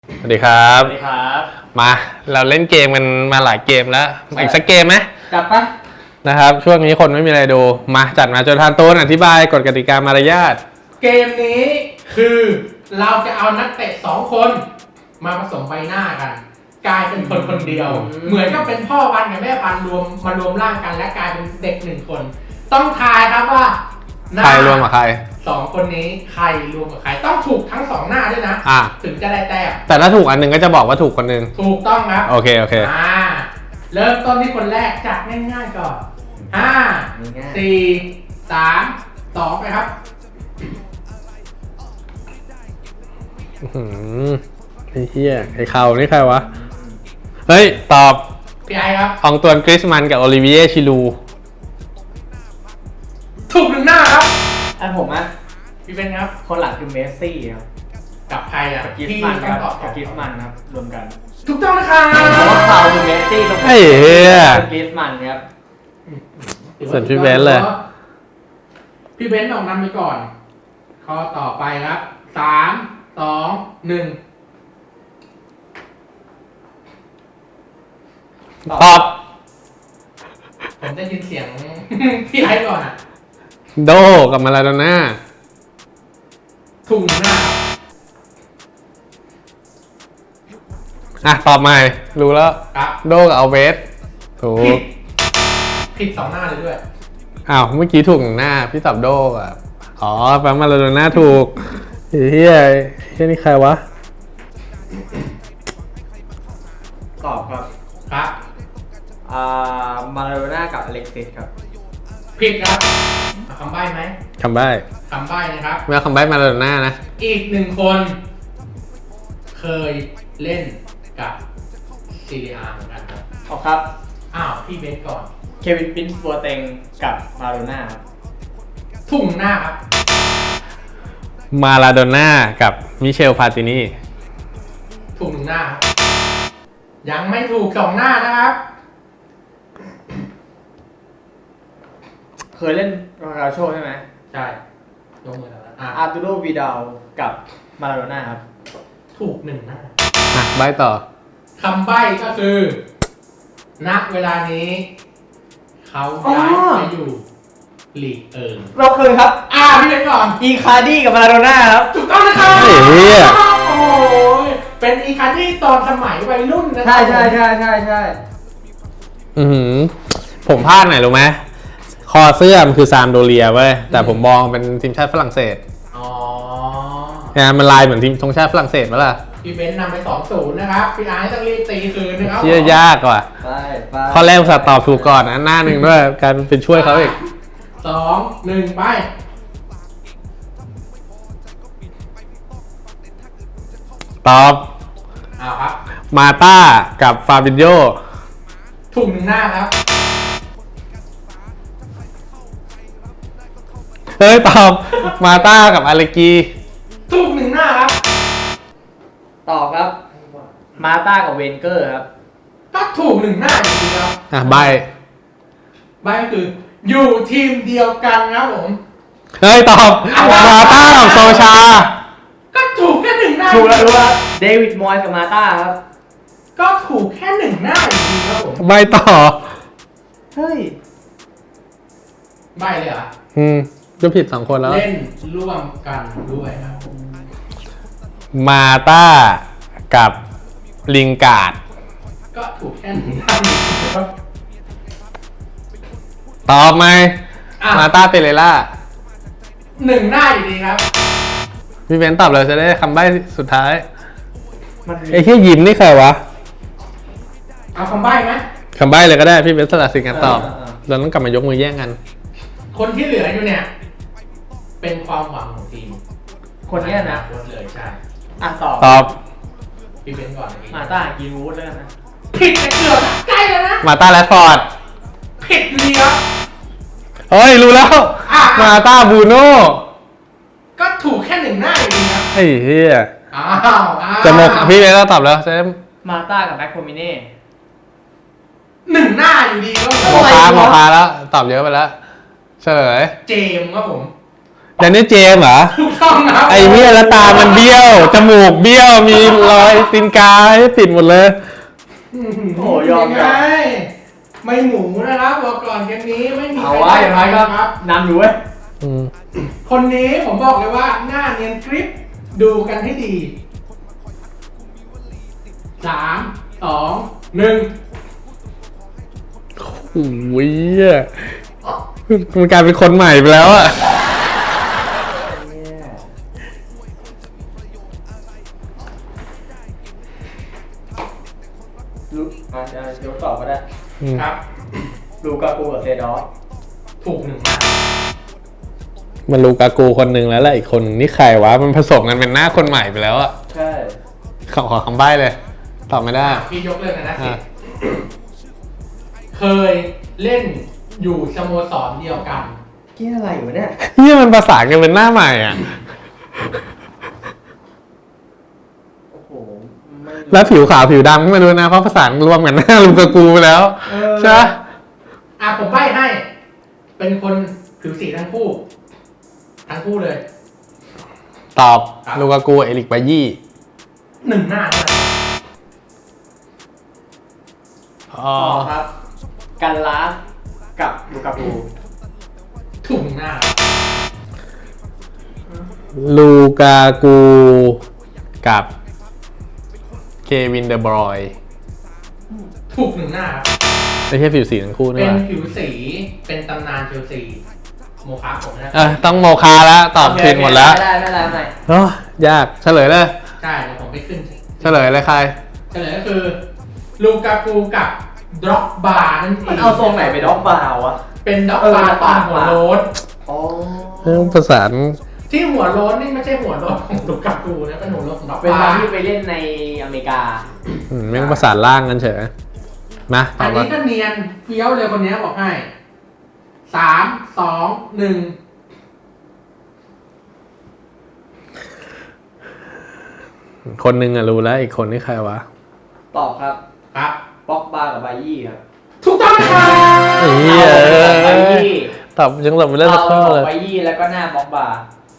สวัสดีครับสวัสดีครับมาเราเล่นเกมกันมาหลายเกมแล้วอีกสักเกมไหมจับปะนะครับช่วงนี้คนไม่มีอะไรดูมาจัดมาจนทานตูนอธิบายกฎกติกามารยาทเกมนี้คือเราจะเอานักเตะ2 คนมาผสมใบหน้ากัน กลายเป็นคนคนเดียว เหมือนกับเป็นพ่อพันธุ์กับแม่พันธุ์มารวมร่างกันและกลายเป็นเด็ก1 คน ต้องทายครับว่าหน้าใครรวมกับใคร 2 คนนี้ใครรวมกับใครต้องถูกทั้ง2 หน้าด้วยนะ ถึงจะได้แต้มแต่ถ้าถูกอันหนึงก็จะบอกว่าถูกคนหนึงถูกต้องครับโอเคเริ่มต้นที่คนแรกจากง่ายๆก่อน5 4 3 2ไปครับไอ้เหี้ยไอ้เขานี่ใครวะเฮ้ยตอบพี่ไอครับอองตวนกริสมันกับโอลิเวียชิลูถูก1 หน้าครับอันผมอะพี่เป็นครับคนหลังคือเมสซี่ครับกับใครอ่ะกับกิฟที่มันครับตอบกับกิฟมันครับรวมกันถูกต้องนะครับเพราะว่าเขาคือเมสซี่ตรงไอ้เหี้ยคือกิฟมันครับส่วนพี่เบนซ์เลยพี่เบนซ์ออกนำไปก่อน ข้อต่อไปครับ3 2 1 ตอบผมได้ยินเสียง พี่ไอก่อนอ่ะโดกับมาลาโดน่าถูก1 หน้าครับตอบใหม่รู้แล้วครับโดกับเอาเวสถูผิกดผิด2 หน้าเลยด้วยอ้าวเมื่อกี้ถูกหนึ่งหน้าพี่ตอบโดอ่ะอ๋อแปลมาลาโดน่าถูกเฮียนี่ใครวะตอบครับครับมาราโดน่ากับอเล็กซิสครับผิดครับเอาคำใบ้ไหมคำใบ้คำใบ้นะครับไม่เอาคำใบ้มาลาโดน่านะอีก1 คน เคยเล่นกับซีเรียเหมือนกันครับตอบครับอ้าวพี่เบนซ์ก่อนเควินปินส์บัวเต็งกับมาราโดน่าครับถูก1 หน้าครับมาลาโดน่ากับมิเชลพาตินีถูก1 หน้าครับยังไม่ถูก2 หน้านะครับเคยเล่นโรนัลโชใช่ไหมใช่ยกมือแล้วนะอาร์ตูโรวีดาลกับมาราโดน่าครับถูก1 หน้าใบ้ต่อคำใบ้ก็คือ ณ เวลานี้ เขาย้ายไปอยู่ลีกเอิงเราเคยครับพี่เบนซ์ก่อนอีคาร์ดี้กับมาราโดน่าครับถูกต้องนะครับเฮ้ยเหี้ยโอ้ยเป็นอีคาร์ดี้ตอนสมัยวัยรุ่นนะครัใช่อือหือผมพลาดไหนรู้ไหมคอเสื้อมันคือซามโดเรียเว้ยแต่ผมมองเป็นทีมชาติฝรั่งเศสอ๋อเนี่ยมันลายเหมือนทีมธงชาติฝรั่งเศสไหมล่ะพี่เบนซ์นำไป 2-0 นะครับ พี่ไอซ์ต้องรีบตีคืนนะครับเชื่อยากว่ะไปข้อแรกอุตส่าห์ตอบถูกก่อนนะหน้าหนึ่งด้วยการเป็นช่วยเขาอีก 2-1 ไปตอบครับมาต้ากับฟาบินโยถูก1 หน้าครับเฮ้ยตอบมาต้ากับอาเลกีถูก1 หน้าครับต่อครับ มาต้ากับเวนเกอร์ครับก็ถูก1 หน้าอยู่ดีครับใบใบก็คือ อยู่ทีมเดียวกันครับผมเฮ้ยตอบมาต้ากับโซชาก็ถูกแค่ 1 หน้าถูกแล้วรู้ว่าเดวิดมอยส์กับมาต้าครับก็ถูกแค่ 1 หน้าอยู่ดีครับผมใบต่อเฮ้ยใบเลยเหรอก็ผิด2 คนแล้วเล่นร่วมกันด้วยครับมาต้ากับลิงการ์ดก็ถูกแค่1 หน้าอยู่ดีครับตอบไหมมาต้าเปเรล่า 1 หน้าอยู่ดีครับพี่เบนซ์ตอบเลยจะได้คำใบ้สุดท้ายมันไอ้ที่ยิ้มนี่ใครวะเอาคำใบ้ไหมคำใบ้เลยก็ได้พี่เบนซ์สละสิทธิ์การตอบเราต้องกลับมายกมือแย่งกันคนที่เหลืออยู่เนี่ย เป็นความหวังของทีมคนเนี้ยนะโคตรเลยใช่ตอบตอบพี่เป็นก่อนมาต้ากินวูดแล้วกันนะผิดแต่เกือบนะใกล้แล้วนะมาต้าแรดฟอร์ดผิดอยู่ดีครับเฮ้ยรู้แล้ว มาต้าบูโน่ก็ถูกแค่1 หน้าอยู่ดีครับไอ้เหี้ยอ้าวจะหมกพี่เบนซ์ตอบแล้วจะได้มาต้ากับแบ็คโคมิเน่ 1 หน้าอยู่ดีครับหมอคาแล้วตอบเยอะไปแล้วเฉลยเจมส์ครับผมแดนนี่เจมส์เหรอถูกต้องครับไอ้เหี้ยแล้วตามันเบี้ยว จมูกเบี้ยว มีรอยตีนกาให้ติดหมดเลยโอ้ยอมไงไม่หมูนะครับบอกก่อนเกมนี้ไม่มีเอาไว้อย่างไรก็ครับนำอยู่เว้ยคนนี้ผมบอกเลยว่าหน้าเนียนกริปดูกันให้ดี 3 2 1 โอ้ยมันกลายเป็นคนใหม่ไปแล้วอะลูกยกตอบก็ได้ครับลูกากูกับเซดอสถูกหนึ่งมันลูกากูคนหนึ่งแล้วแหละอีกคนหนึ่งนี่ใครวะ มันผสมกันเป็นหน้าคนใหม่ไปแล้วอะใช่ขอคำใบ้เลย ตอบไม่ได้พี่ยกเลิกนะอ่ะเคยเล่นอยู่สโมสรเดียวกันเกี่ยอะไรอยู่เนี่ยนี่มันประสานกันเป็นหน้าใหม่อะโอ้โหไม่แล้วผิวขาวผิวดำก็ไม่รู้นะ เพราะประสานรวมกันหน้าลูกากูไปแล้ว ใช่ไหมผมใบ้ให้ เป็นคนผิวสีทั้งคู่ ทั้งคู่เลยตอบครับลูกากูเอริกบายี่หนึ่งหน้าเท่านั้นอ๋อตอบครับ กันลาสกับลูกากูถูกหนึ่งหน้าลูกากูกับเควินเดอบรอยน์ถูกหนึ่งหน้าครับไม่ใช่ผิวสีทั้งคู่เป็นี่หนว่าผิวสี เป็นตำนานเชลซี โมคาผมนะต้องโมคาแล้วตอบผิดหมดแล้วไม่ได้โอ้ยากเฉลยเลยใช่เดี๋ยวผมไปขึ้นเฉลยเลยใครเฉลยก็คือ ลูกากูกับดร็อกบาร์นั่นเองมันเอาทรงไหนไปด็อกบาวะเป็นด็อกบาร์ตอนหัวโล้นอ๋อประสานที่หัวโล้นนี่ไม่ใช่หัวโล้นของลูกากูนะเป็นหัวโล้นของด็อกเป็นบาตอนร์ที่ไปเล่นในอเมริกาแม่งประสานล่างกันเฉยมาตอัอน บนี้มาก็เนียนเฟี้ยวเลยคนนี้บอกให้ 3 2 1 คนหนึ่งอะรู้แล้วอีกคนนี่ใครวะตอบครับครับป็อกบากับไบยี่ครับถูกต้องนะครับไอ้เหี้ยไบยี่ตอบยังหลบไปเล่นสักข้อเลยไบยี่แล้วก็หน้าป็อกบา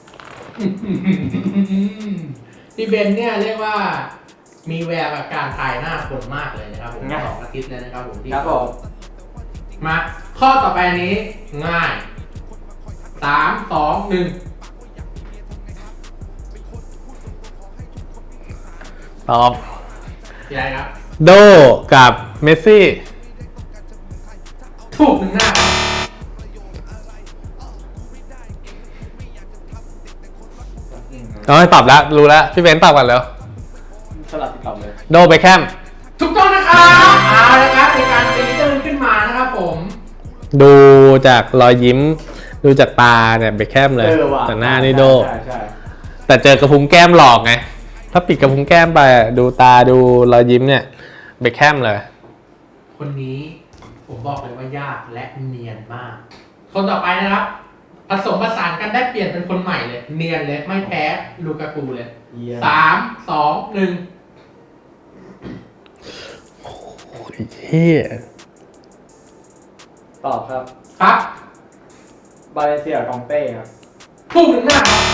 พี่เบนเนี่ยเรียกว่า มีแววกับการทายหน้าคนมากเลยนะครับผม2 อาทิตย์แล้วนะครับผมที่ครับผมมาข้อต่อไปอันนี้ง่าย 3 2 1 ตอบพี่ไรครับโดกับเมสซี่ถูกหนึ่งหน้าครับเอาให้ตอบแล้ว รู้แล้ว พี่เบนซ์ตอบกันแล้วสลับติดต่อเลยโดเบคแฮมถูกต้องนะครับเอาละครับในการตีตื้นขึ้นมานะครับผมดูจากรอยยิ้ม ดูจากตาเนี่ยเบคแฮมเลยว่ะแต่หน้านี่โดใช่แต่เจอกระพุ้งแก้มหลอกไง ถ้าปิดกระพุ้งแก้มไปอะดูตาดูรอยยิ้มเนี่ยเบคแฮมเลยคนนี้ผมบอกเลยว่ายากและเนียนมาก คนต่อไปนะครับ ผสมผสานกันได้เปลี่ยนเป็นคนใหม่เลย เนียนเลยไม่แพ้ลูกากูเลยเยี่ยม 3 2 1 โอ้ยเฮียตอบครับครับบาเลเซียกองเต้ครับถูกหนึ่งหน้าครับ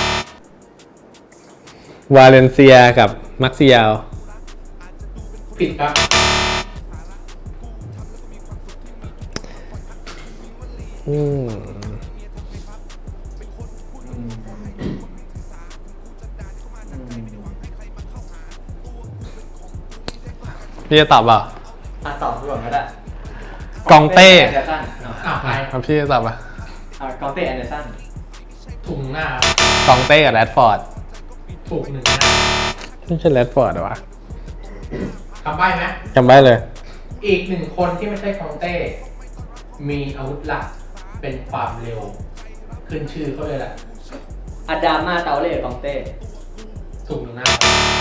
วาเลนเซียกับมักซิยาลผิดครับอืมพี่จะตอบเปล่าตอบก่อนก็ได้กองเต้แอนเดอร์สันอ้าวไปครับพี่จะตอบป่ะกองเต้แอนเดอร์สันถูกหนึ่งหน้าครับกองเต้กับแรดฟอร์ดถูกหนึ่งหน้าไม่ใช่แรดฟอร์ดเหรอวะคำใบ้ไหมจำได้เลยอีกหนึ่งคนที่ไม่ใช่คองเต้ มีอาวุธหลักเป็นความเร็ว ขึ้นชื่อเขาเลยแหละอาดามาเตาเล่กองเต้ถูกหนึ่งหน้า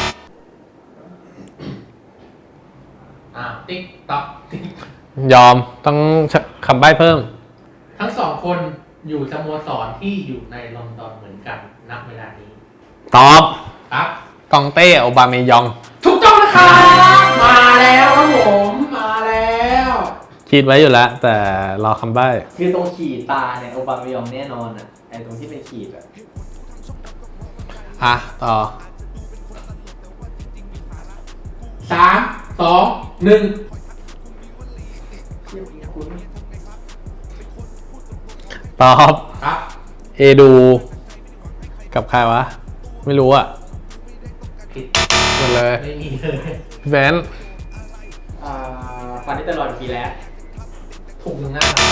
ติ๊กต๊อกติ๊กยอมต้องคำใบ้เพิ่มทั้งสองคนอยู่สโมสรที่อยู่ในลอนดอนเหมือนกันณเวลานี้ตอบครับกองเต้โอบาเมยองถูกต้องนะครับมาแล้วครับผมมาแล้วคิดไว้อยู่แล้ว แต่รอคำใบ้คือตรงขีดตาเนี่ยโอบามายองแน่นอนอ่ะไอตรงที่เป็นขีดอ่ะอ่ะต่อ 3 2 1 ตอบครับเอดู กับใครวะ ไม่รู้อ่ะผิดหมดเลยไม่มีเลยแบนฟันนิสเตอร์ลอยกับปีแล้วถูกหนึ่งหน้าครับ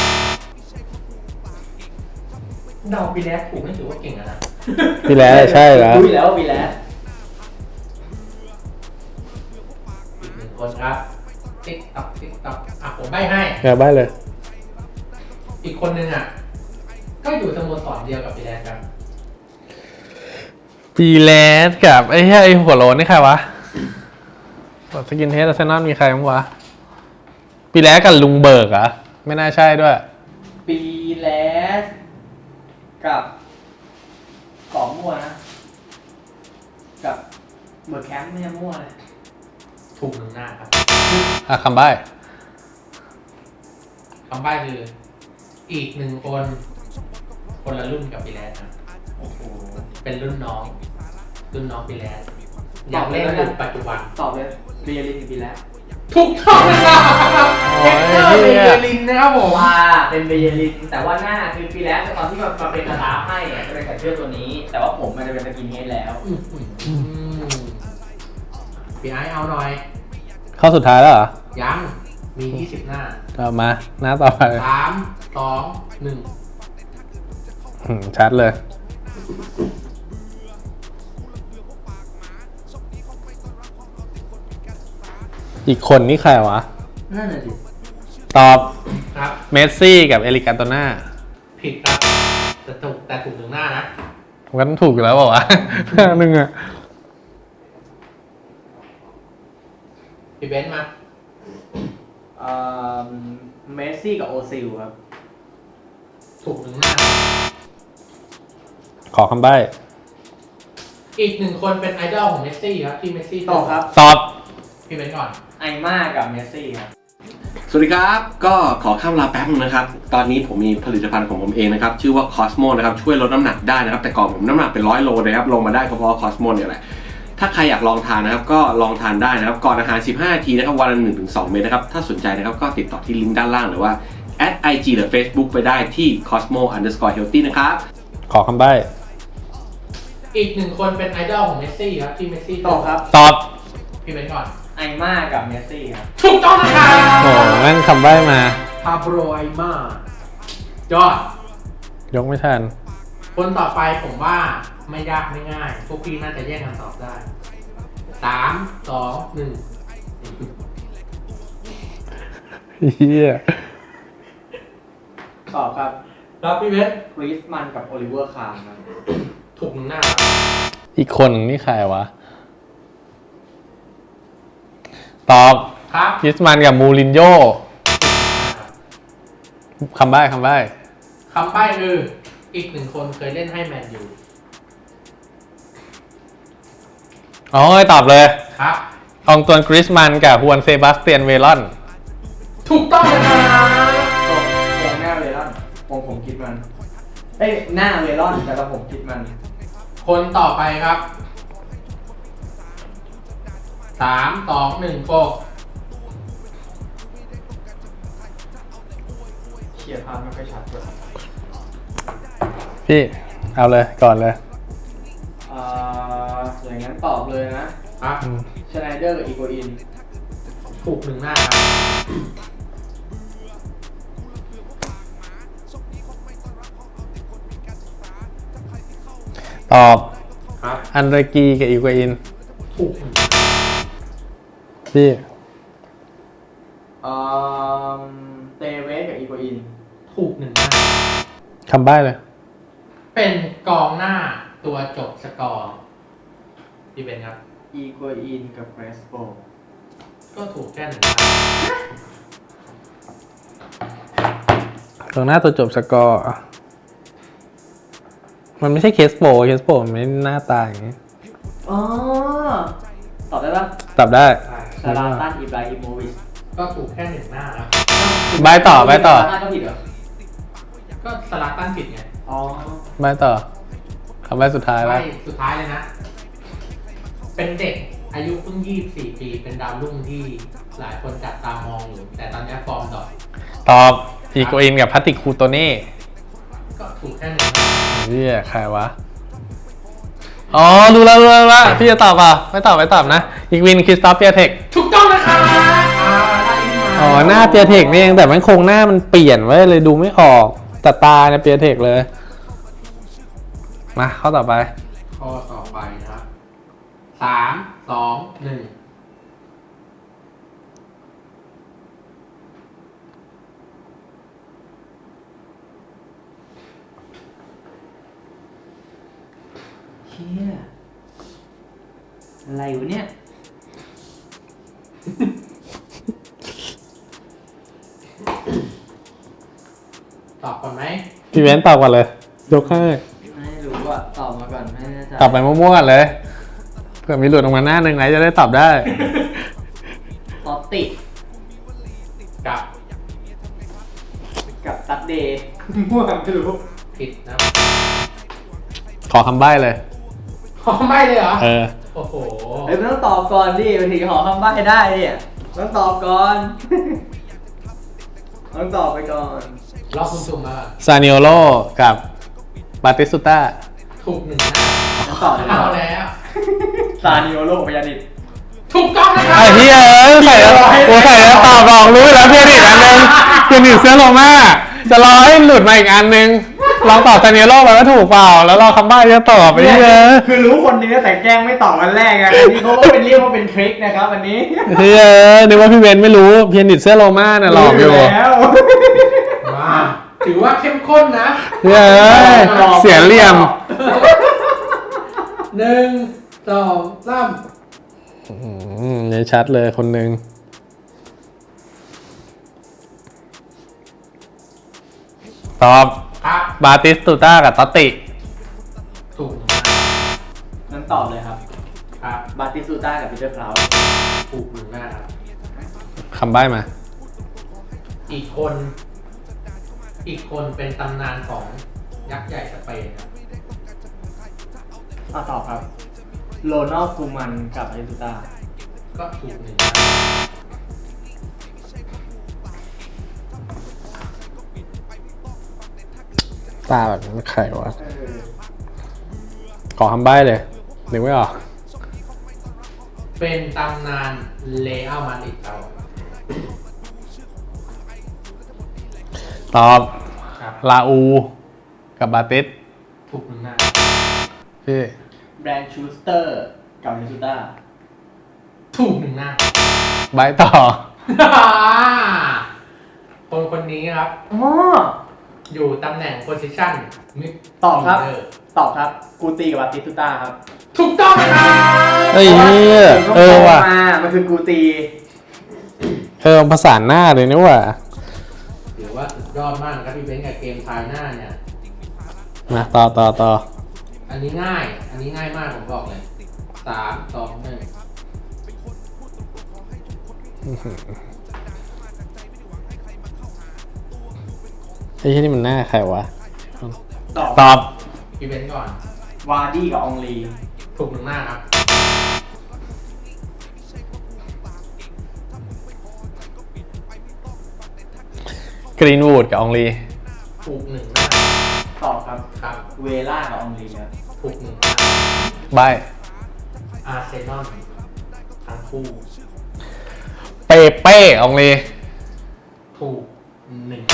เดาปีแล้วถูกไม่ถือว่าเก่งอะนะพี่แล้วใช่แล้วรู้อยู่แล้วว่าปีแล้วอีกหนึ่งคนครับติ๊กต๊อกติ๊กต๊อกอ่ะผมใบ้ให้แกใบ้เลยอีกคนนึงอ่ะ ก็อยู่สโมสรเดียวกับปีแล้วครับปีแลสกับไอ้เหี้ยไอ้หัวโล้นนี่ใครวะสกินเฮดอาร์เซนอลมีใครบ้างวะ ปีแลสกับลุงเบิร์กเหรอะไม่น่าใช่ด้วยปีแล้วกับกองมั่วนะ กับเบอร์แคมป์ไม่ใช่มั่วเลยถูกหนึ่งหน้าครับอ่ะคำใบ้คำใบ้คืออีกหนึ่งคน คนละรุ่นกับปีแล้วครับโอ้โหเป็นรุ่นน้องปีแล้วอยากเล่นรุ่นปัจจุบันตอบเลยเรียลินกับปีแล้วถูกต้องนะครับเอ็กเตอร์เบเยลินนะครับผมว่าเป็นเบเยลินแต่ว่าหน้าคือปีแล้วตอนที่มาเป็นสตาฟให้เนี่ยจะเป็นใส่เสื้อตัวนี้ แต่ว่าผมมันจะเป็นสกินเฮดแล้วพี่ไอซ์เอาหน่อยข้อสุดท้ายแล้วเหรอยังมี 20 หน้าเอามา หน้าต่อไป 3 2 1 ชัดเลย อีกคนนี่ใครวะนั่นน่ะสิตอบครับเมสซี่กับเอริกาโตน่าผิดครับแต่ถูกหนึ่งหน้านะผมก็ต้องถูกอยู่แล้วเปล่าวะ หนึ่งอะพี่เบนซ์มาเมสซี่กับโอซิลครับถูกหนึ่งหน้าขอคำใบ้อีกหนึ่งคนเป็นไอดอลของเมสซี่ครับที่เมสซี่ตอบครับตอบพี่เบนซ์ก่อนไอม่ากับเมสซี่ครับสวัสดีครับ ก็ขอข้ามลาแป๊บนึงนะครับ ตอนนี้ผมมีผลิตภัณฑ์ของผมเองนะครับ ชื่อว่า Cosmo นะครับ ช่วยลดน้ำหนักได้นะครับ แต่ก่อนผมน้ำหนักเป็น100 โลนะครับ ลงมาได้ก็เพราะ Cosmo เนี่ยแหละ ถ้าใครอยากลองทานนะครับ ก็ลองทานได้นะครับ ก่อนอาหาร 15 นาทีนะครับ วันละ 1-2 เม็ดนะครับ ถ้าสนใจนะครับ ก็ติดต่อที่ลิงก์ด้านล่างหรือว่า @IG หรือ Facebook ไปได้ที่ cosmo_healthy นะครับขอคำใบ้อีกหนึ่งคนเป็นไอดอลของเมสซี่ครับที่เมสซี่ตอบครับตอบพี่เบนซ์ก่อนไอม่ากับเมสซี่ครับถูกต้องนะครับโอ้แม่งคำใบ้มาพาโบรไอมายอดยกไม่ทันคนต่อไปผมว่าไม่ยากไม่ง่าย พวกพี่น่าจะแย่งคำตอบได้ 3 2 1 เฮียตอบครับครับพี่เบนซ์คริสมันกับโอลิเวอร์คาร์ครับถูกหนึ่งหน้าครับอีกคนนี่ใครวะ ตอบครับคริสมันกับมูรินโญ่คำใบ้คำใบ้คำใบ้คืออีกหนึ่งคนเคยเล่นให้แมนยูอ๋อตอบเลยครับอองตวนกริสมันกับฮวนเซบาสเตียนเวลอนถูกต้องนะครับผมหน้าเวลอนผมคิดมัน เอ้ยหน้าเวลอนแต่ว่าผมคิดมันคนต่อไปครับ 3 2 1โฟกเขียนภาพไม่ค่อยชัดเลยพี่ เอาเลยก่อนเลยอย่างนั้นตอบเลยนะครับ ชไนเดอร์กับอีโกอินถูกหนึ่งหน้าครับตอบครับอันเดรกีกับอีกวาอินถูกหนึ่งพี่เตเวสกับอีโกอินถูกหนึ่งหน้าคำใบ้เลยเป็นกองหน้าตัวจบสกอร์ที่เป็นครับอีโกอินกับเกรสโปก็ถูกแค่หนึ่งหน้าตรงหน้าตัวจบสกอร์ มันไม่ใช่เคสโปมันไม่หน้าตาอย่างนี้อ๋อ ตอบได้ปะตอบได้ซาลาตันอิบราฮิโมวิชก็ถูกแค่หนึ่งหน้าแล้วใบต่อซาลาตันก็ผิดเหรอก็สลักตั้นผิดไงอ๋อใบต่อ คำใบ้สุดท้ายไปแล้วสุดท้ายเลยนะ เป็นเด็กอายุเพิ่ง24 ปี เป็นดาวรุ่งที่หลายคนจับตามองอยู่ แต่ตอนนี้ฟอร์มดรอปตอบอีโกอินกับพัตติคูโตเน่ก็ถูกแค่หนึ่งเฮียใครวะ อ๋อ รู้แล้วพี่จะตอบเปล่าไม่ตอบนะ อีกวินคริสตอฟเปียเทคถูกต้องนะครับได้ที่มาอ๋อ หน้าเปียเทคนี่เองแต่มันโครงหน้ามันเปลี่ยนไว้เลยดูไม่ออกแต่ตาเนี่ยเปียเทคเลย มาข้อต่อไปข้อต่อไปนะครับ3 2 1 เชี่ยอะไรวะเนี่ยตอบก่อนไหมพี่เว้นตอบก่อนเลย ยกให้ไม่รู้อ่ะตอบมาก่อนไม่แน่ใจตอบไปมั่วๆกันเลยเผื่อมีหลุดออกมาหน้าหนึ่งไหนจะได้ตอบได้ตอบติดกับกับตัดเดย์ มั่วไม่รู้ผิดนะครับขอคำใบ้เลยขอไม่เลยเหรอเออโอ้โหเฮ้ยมันต้องตอบก่อนดิมันถึงขอคำใบ้ได้เนี่ยต้องตอบก่อน ต้องตอบไปก่อนรอบคุณสุ่มมาก่อนซานิโอโลกับบาติสตุต้าถูกหนึ่งหน้าต้องตอบเลยเอาก่อนแล้วซานิโอโลพยานิดถูกต้องนะครับไอ้เฮียใส่แล้วใส่แล้วตอบบอกรู้แล้วเพียนิกอันนึงเพียนิกเสื้อโรม่าจะรอให้หลุดมาอีกอันนึงลองตอบซานิโอโลไปว่าถูกเปล่าแล้วรอคำใบ้จะตอบไปเฮียคือรู้คนนี้แต่แกล้งไม่ตอบวันแรกไงอันนี้เขาก็เป็นเรียกว่าเป็นทริคนะครับอันนี้เฮียนึกว่าพี่เวนไม่รู้เพียนิกเสื้อโรม่าน่ะหลอกอยู่แล้วมาถือว่าเข้มข้นนะเฮียเสียเหลี่ยม 1 2 3 เนี่ยชัดเลยคนหนึ่งตอบครับบาติสตุต้ากับตอตติถูกหนึ่งงั้นตอบเลยครับครับบาติสตูต้ากับปีเตอร์คลาวด์ถูกหนึ่งหน้าครับคำใบ้มาอีกคนเป็นตำนานของยักษ์ใหญ่สเปนครับตอบครับโรนัลด์คูมันกับบาติสตูต้าก็ถูกหนึ่งตาแบบนี้ใครวะ ขอคำใบ้เลยนึกไม่ออกเป็นตำนานเลอัลมาดริดเราตอบครับลาอูกับบาติสถูกหนึ่งหน้าพี่แบรนด์ชูสเตอร์กับบาติสตูต้าถูกหนึ่งหน้าใบต่อคนนี้ครับอ๋ออยู่ตำแหน่งโพซิชันมิดตอบครับฟิลเดอตอบครับ กูตีกับบาติสตูต้าครับถูกต้องนะครับเฮ้ยว่ะมามันคือกูตีประสานหน้าเลยนี่ว่ะถือว่าสุดยอดมากนะครับพี่เบนซ์กับเกมทายหน้าเนี่ยมาต่ออันนี้ง่ายมากผมบอกเลย3 2 1 ไอ้ที่นี่มันหน้าใครวะตอบตอบพี่เบนซ์ก่อนวาร์ดี้กับอองลีถูกหนึ่งหน้าครับกรีนวูดกับอองลีถูกหนึ่งหน้าตอบครับครับเวล่ากับอองลีครับถูกหนึ่งหน้าใบอาร์เซนอลทั้งคู่เป้อองลีถูกหนึ่ง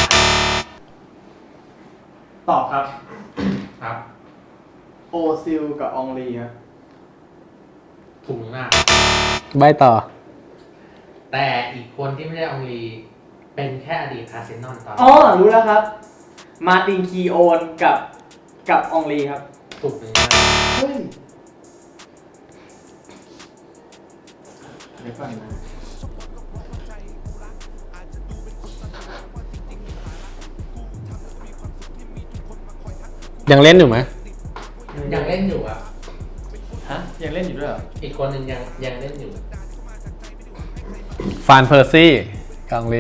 ตอบครับครับโอซิลกับอองลีครับถูกหนึ่งหน้าใบต่อแต่อีกคนที่ไม่ได้อองลีเป็นแค่อดีตอาร์เซนอลตอนอ๋อ รู้แล้วครับ มาร์ตินคีโอนกับอองลีครับถูกหนึ่งหน้าเฮ้ยเดี๋ยวก่อนนะยังเล่นอยู่ไหมยังเล่นอยู่ครับฮะ ยังเล่นอยู่ด้วยเหรออีกคนหนึ่งยังเล่นอยู่ฟานเพอร์ซี่กับอองลี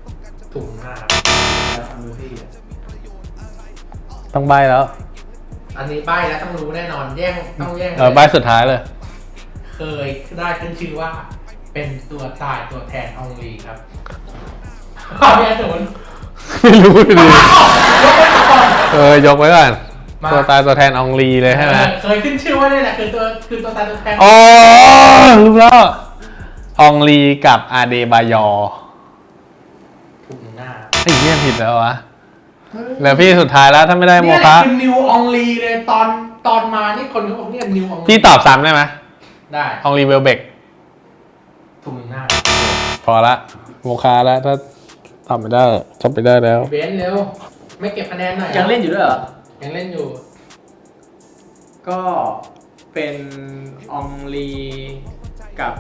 ถูกหนึ่งหน้าครับแล้วฟังดูที่ต้องใบแล้วอันนี้ใบ้แล้วต้องรู้แน่นอนต้องแย่งใบสุดท้ายเลยเคยได้ขึ้นชื่อว่า เป็นตัวตายตัวแทนอองลีครับแย่ศูนย์ไม่รู้ดิยกไปก่อนยกไว้ก่อนมาตัวตายตัวแทนอองลีเลยใช่ไหมเคยขึ้นชื่อว่านี่แหละคือตัวตายตัวแทนอ๋อรู้แล้วอองลีกับอาเดบายอร์ถูกหน้าไอ้เหี้ยผิดแล้ววะแล้วพี่สุดท้ายแล้วถ้าไม่ได้โมเนี่ยแหคะละคือนิวอองลีเลยตอนมานี่คนเขาบอกเนี่ยนิวอองลีพี่ตอบซ้ำได้ไหมได้อองลีเวลเบกถูกหน้าพอละโมคะแล้วถ้าตอบไม่ได้จบไปได้แล้วเบนซ์เร็วไม่เก็บคะแนนหน่อยยังเล่นอยู่ด้วยเหรอยังเล่นอยู่ก็เป็นอองลีกับ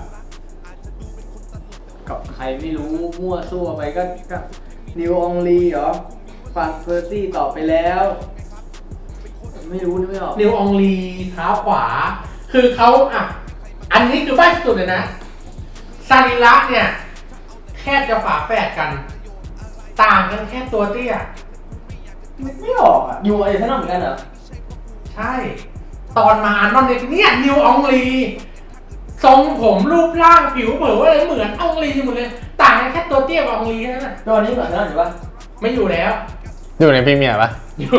ใครไม่รู้มั่วซั่วไปก็นิวอองลีเหรอฟันเพอร์ซี่ตอบไปแล้ว ไม่รู้นึกไม่ออกนิวอองลีเท้าขวา คือเขาอ่ะอันนี้คือใบ้สุดเลยนะซาริระเนี่ยแค่จะฝาแฝดกัน ต่างกันแค่ตัวเตี้ยนึกไม่ออกอ่ะอยู่ไอ้ท่านเหมือนกันเหรอใช่ ตอนมาอันนอนเนี่ยนิวอองลีทรงผมรูปร่างผิวเผยอะไรเหมือนอองลีหมดเลย ต่างกันแค่ตัวเตี้ยกับอองลีแค่นั้นนะตอนนี้เหมือนกันอยู่ปะไม่อยู่แล้วอยู่ในพรีเมียร์ปะอยู่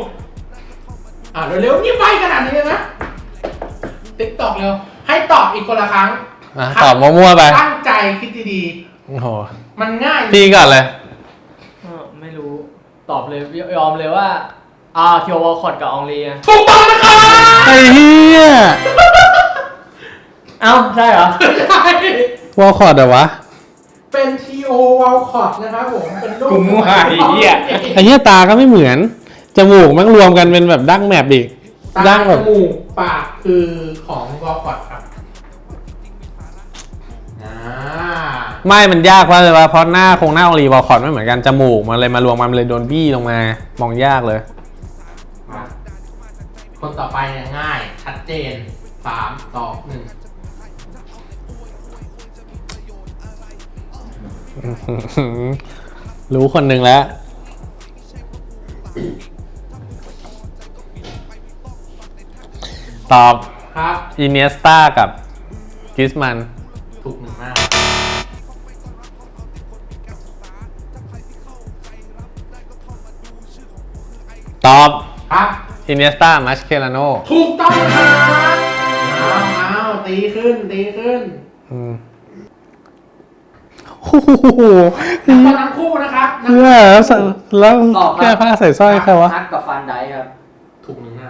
เร็วๆนี่ใบขนาดนี้เลยนะติ๊กตอกเร็วให้ตอบอีกคนละครั้งตอบมั่วๆไปตั้งใจคิดดีโอ้โหๆมันง่ายพี่ก่อนเลยไม่รู้ตอบเลยยอมเลยว่าคิววอลคอตกับอองลีอะถูกต้องนะครับไอ้เหี้ยเอ้าใช่เหรอใช่วอลคอร์ดเหรอวะเป็นทีโอวอลคอตนะครับผมเป็นรูปกูมั่วไอ้เหี้ยไอ้เหี้ยตาก็ไม่เหมือน จมูกมันรวมกันเป็นแบบดั้งแมปอีกตาดั้งจแบบมูกปากคือของวอลคอตครับไม่มันยากเพราะอะไรวะเพราะหน้าหน้าอองลีวอลคอร์ดไม่เหมือนกัน จมูกมันเลยมารวมกันเลยโดนบี้ลงมา มองยากเลยมาคนต่อไปเนี่ยง่ายชัดเจน3 2 1 รู้คนหนึ่งแล้ว ตอบครับอินเนสตากับกริสมันถูกหนึ่งมากตอบครับอินเนสตามัชเคลาโนถูกต้องครับเอาตีขึ้นโอ้โหทั้งคู่นะครับเพื่อแล้วตอบครับแก้ผ้าใส่สร้อยใครวะฮักกับฟันไดครับถูกหนึ่งมาก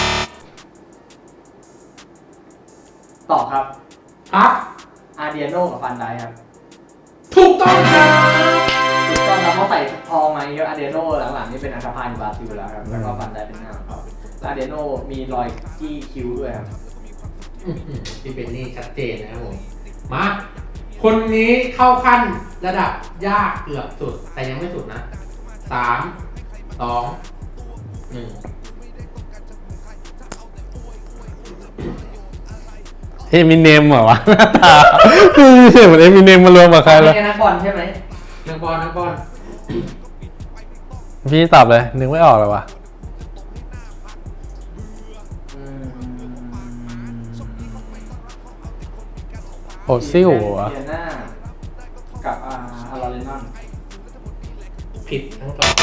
ตอบครับครับอาเดียโนกับฟันไดครับถูกต้องครับถูกต้องครับเขาใส่ทองมาเยอะอาเดียโนหลังๆนี่เป็นอันธพาลบราซิลแล้วครับแล้วก็ฟันไดเป็นหน้าของเขาแล้วอาเดียโนมีรอยจี้คิ้วด้วยครับพี่เป็นนี่ชัดเจนนะครับผม มา คนนี้เข้าขั้นระดับยากเกือบสุด แต่ยังไม่สุดนะ 3 2 1 เอมิเนมเหรอวะหน้าตาเหมือนเอมิเนมมารวมกับใครแล้วเป็นนักบอลใช่ไหมนักบอลพี่ตอบเลย นึกไม่ออกเลยวะ โอซิลเหรอเดียน่ากับลอเรนนอนผิดทั้งสอง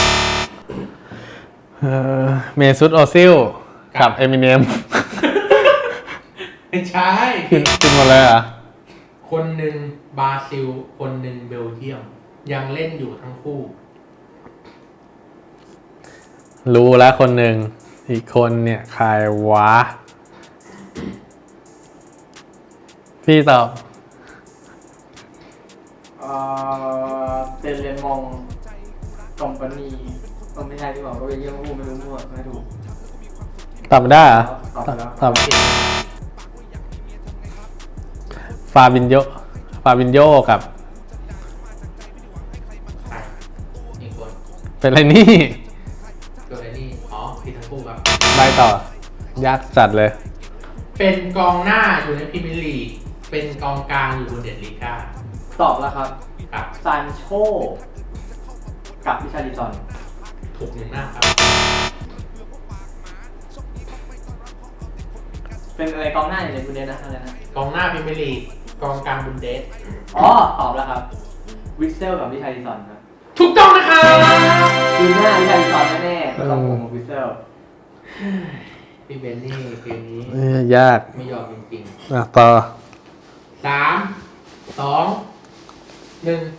เมซุตโอซิลกับเอมิเนมไม่ใช่กินหมดเลยเหรอ่ะคนหนึ่งบราซิล คนหนึ่งเบลเยียม ยังเล่นอยู่ทั้งคู่รู้แล้วคนหนึ่ง อีกคนเนี่ยใครวะ พี่ตอบเซเลมองกอมปานีก็ไม่ใช่ที่บอกก็เป็นเยี่ยมพูดไม่รู้มั่วไม่ถูกตอบไม่ได้เหรอตอบไปแล้วตอบฟาบินโยกับอีกคนเป็นอะไรนี่ตัวไอ้นี่ผิดทั้งคู่ครับใบต่อ ยากจัดเลยเป็นกองหน้าอยู่ในพรีเมียร์ลีก เป็นกองกลางอยู่บนเดดลีก้าตอบแล้วครับครับซานโชกับพิชาริซอนถูกหนึ่งหน้าครับเป็นอะไรกองหน้าในบุนเดสนะอะไรนะกองหน้าพรีเมียร์ลีกกองกลางบุนเดสอ๋อตอบแล้วครับวิสเซลกับวิชาริซอนครับถูกต้องนะครับดูหน้าวิชาริซอนแน่ๆก็ต้องผมกับวิสเซลพี่เบนนี่เกมนี้ยากไม่ยอมจริงต่อๆ3 2 1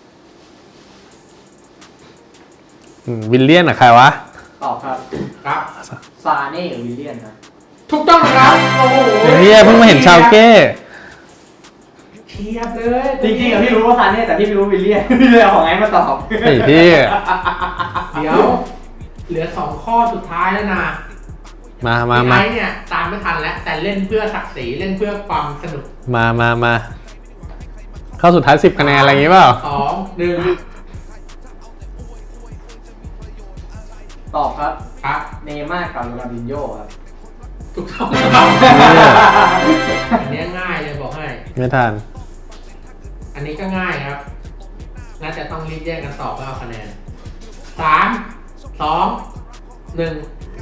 วิลเลียนอะใครวะตอบครับครับซาเน่กับวิลเลียนครับถูกต้องนะครับโอ้โหเฮียเพิ่งมาเห็นชาวเก้เชียบเลยจริงๆอะพี่รู้ว่าซาเน่แต่พี่ไม่รู้วิลเลียนพี่เลยเอาของไอ้มาตอบไอ้พี่เดี๋ยว เหลือ2ข้อสุดท้ายแล้วนะมาพี่ไอ้เนี่ยตามไม่ทันแล้วแต่เล่นเพื่อศักดิ์ศรีเล่นเพื่อความสนุกมาเข้าสุดท้าย10 คะแนนอะไรอย่างงี้เปล่า 2 1 ตอบครับครับเนย์ม่าร์กับโรนัลดินโญ่ครับถูกต้องครับอันนี้ง่ายเลยบอกให้ไม่ทันอันนี้ก็ง่ายครับ น่าจะต้องรีบแยกกันตอบเพื่อเอาคะแนน 3 2 1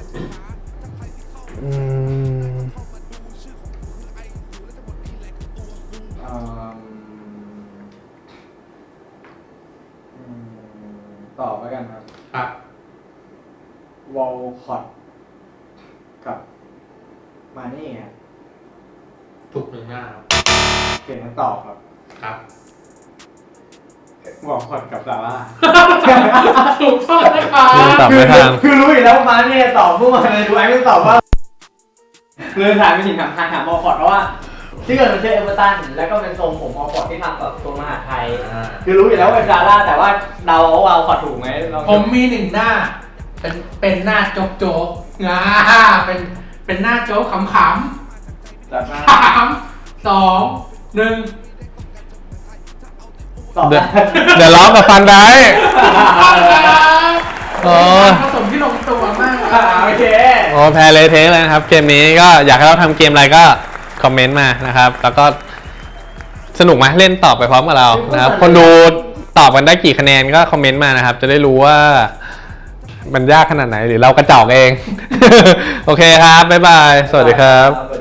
ตอบแล้วกันครับครับวอลคอตกับมาเน่ครับถูกหนึ่งหน้าครับเปลี่ยนคำตอบครับครับวอลคอตกับซาร่าถูกต้องนะครับตอบไม่ทันคือรู้อยู่แล้วว่ามาเน่ตอบมั่วเลยดูไอ้ไม่ตอบว่าเลยถามไปถึงถามวอลคอตเพราะว่าที่เกิดมันเจอเอเวอร์ตันแล้วก็เป็นทรงผมวอลคอตที่ทำกับตรงมหาไทย คือรู้อยู่แล้วว่าเป็นซาร่าแต่ว่าเดาว่าวอลคอตถูกไหมลองผมมีหนึ่งหน้า เป็นหน้าโจ๊กโจ๊กเป็นหน้าโจ๊กขำจัดมาๆ3 2 1 ตอบเดี๋ยวล้อกับฟันได้ โอ้ผสมที่ลงตัวมากโอเคโอ้แพ้เลยเทะเลยนะครับ เกมนี้ก็อยากให้เราทำเกมอะไรก็คอมเมนต์มานะครับ แล้วก็สนุกไหมเล่นตอบไปพร้อมกับเรานะครับ คนดูตอบกันได้กี่คะแนนก็คอมเมนต์มานะครับ จะได้รู้ว่ามันยากขนาดไหนหรือเรากระจอกเอง โอเคครับ บ๊ายบาย สวัสดีครับ